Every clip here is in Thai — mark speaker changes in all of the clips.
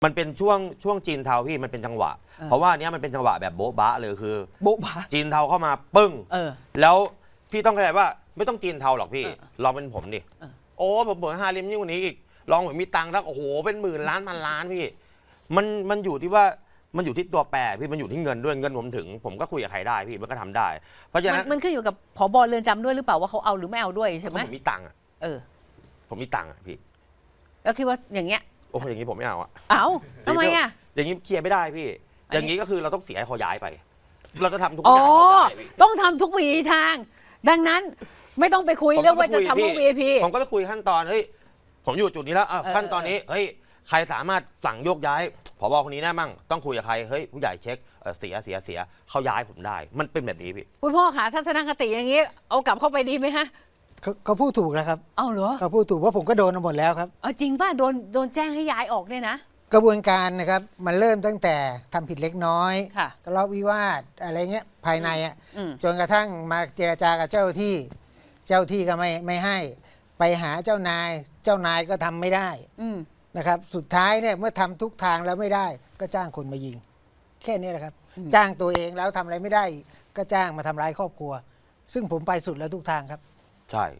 Speaker 1: มันเป็นช่วงจีนเทาพี่มันเป็นจังหวะเพราะว่าเนี้ยมันเป็นจังหวะแบบโบ๊ะบะเลยคือ
Speaker 2: โบ๊ะบะ
Speaker 1: จีนเทาเข้ามาปึ้งแล้วพี่ต้องเข้าใจว่าไม่ต้องจีนเทาหรอกพี่ลองเป็นผมดิโอ้ผมเปิด5 เล่มยิ่งกว่านี้อีกลองผมมีตังค์แล้วโอ้โหเป็นหมื่นล้านพันล้านพี่มันอยู่ที่ว่ามันอยู่ที่ตัวแปรพี่มันอยู่ที่เงินด้วยเงินผมถึงผมก็คุยกับใครได้พี่มันก็ทำได้เพราะฉะนั้น
Speaker 2: มันขึ้นอยู่กับผบ.เรือนจำด้วยหรือเปล่าว่าเขาเอาหรือไม่เอาด้วยใช่ไหม
Speaker 1: ผมมีตังค์ผมมีตังค์พี่
Speaker 2: แล้วคิดว่าอย่างเงี้ย
Speaker 1: โอ้อย่างนี้ผมไม่เอา
Speaker 2: ทำไมอ่ะ
Speaker 1: อย่างนี้เคลียร์ไม่ได้พี่อย่างนี้ก็คือเราต้องเสียให้เขาย้ายไปเราจะทำทุกอย่าง
Speaker 2: ต้องทำทุกวิธีทางดังนั้นไม่ต้องไปคุยเรื่องว่าจะทำพวก VIP
Speaker 1: ผมก็ไปคุยขั้นตอนเฮ้ยผมอยู่จุดนี้แล้วขั้นตอนนี้เฮ้ยใครสามารถสั่งโยกย้ายผบ.คนนี้ได้มั่งต้องคุยกับใครเฮ้ยผู้ใหญ่เช็คเสียเขาย้ายผมได้มันเป็นแบบนี้พี่
Speaker 2: คุณพ่อคะทัศนคติอย่างนี้เอากลับเข้าไปดีไหมฮะ
Speaker 3: เขาพูดถูกแล้วครับ
Speaker 2: เอาเหรอ
Speaker 3: เขาพูดถูกว่าผมก็โดนมาหมดแล้วครับ
Speaker 2: จริงป่ะโดนแจ้งให้ย้ายออกเนี่ยนะ
Speaker 3: กระบวนการนะครับมันเริ่มตั้งแต่ทำผิดเล็กน้อยทะเลาะวิวาทอะไรเงี้ยภายในจนกระทั่งมาเจรจากับเจ้าที่ก็ไม่ให้ไปหาเจ้านายก็ทำไม่ได้นะครับสุดท้ายเนี่ยเมื่อทำทุกทางแล้วไม่ได้ก็จ้างคนมายิงแค่นี้แหละครับจ้างตัวเองแล้วทำอะไรไม่ได้ก็จ้างมาทำร้ายครอบครัวซึ่งผมไปสุดแล้วทุกทางครับ
Speaker 1: ใช่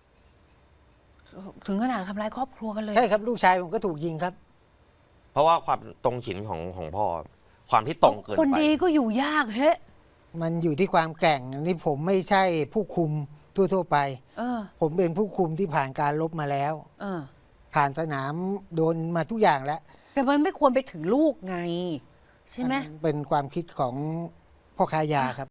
Speaker 2: ถึงขนาดทำร้ายครอบครัวกันเลย
Speaker 3: ใช่ครับลูกชายผมก็ถูกยิงครับ
Speaker 1: เพราะว่าความตรงฉินของพ่อความที่ตรงเกินไป
Speaker 2: คนดีก็อยู่ยากเฮ้
Speaker 3: มันอยู่ที่ความแกร่งนี่ผมไม่ใช่ผู้คุมทั่วไปผมเป็นผู้คุมที่ผ่านการลบมาแล้วผ่านสนามโดนมาทุกอย่างแล้ว
Speaker 2: แต่มันไม่ควรไปถึงลูกไงใช่ไหม
Speaker 3: เป็นความคิดของพ่อค้ายาครับ